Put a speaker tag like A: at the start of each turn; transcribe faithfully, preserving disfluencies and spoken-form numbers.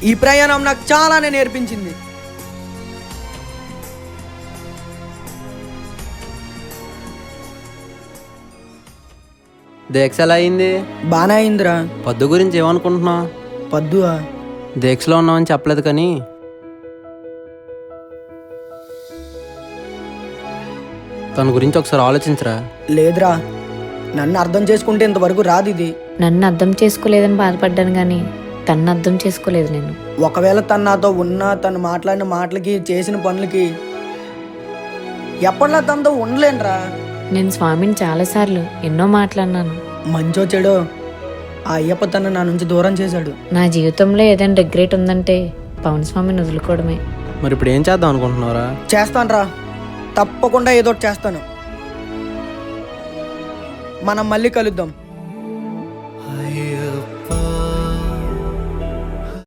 A: ఈ ప్రయాణం నాకు చాలానే నేర్పించింది.
B: దీక్ష ఎలా అయింది?
A: బానే అయిందిరా.
B: పద్దు గురించి ఏమనుకుంటున్నావు?
A: పద్దువా?
B: దీక్షలో ఉన్నామని చెప్పలేదు కానీ తన గురించి ఒకసారి ఆలోచించరా.
A: లేదురా, నన్ను అర్థం చేసుకుంటే ఇంతవరకు రాదు ఇది.
C: నన్ను అర్థం చేసుకోలేదని బాధపడ్డాను కానీ తన్ను అర్థం చేసుకోలేదు నేను.
A: ఒకవేళ తను నాతో ఉన్నా, తను మాట్లాడిన మాటలకి, చేసిన పనులకి ఎప్పటిలా తనతో ఉండలేనురా.
C: నేను స్వామిని చాలాసార్లు ఎన్నో మాట్లాడినాను.
A: మంచో చెడో ఆ అయ్యప్ప తను నా నుంచి దూరం చేశాడు.
C: నా జీవితంలో ఏదైనా రిగ్రెట్ ఉందంటే పవన్ స్వామిని వదులుకోవడమే.
B: మరి ఇప్పుడు ఏం చేద్దాం అనుకుంటున్నారా?
A: చేస్తానురా, తప్పకుండా ఏదో ఒకటి చేస్తాను. మనం మళ్ళీ కలుద్దాం.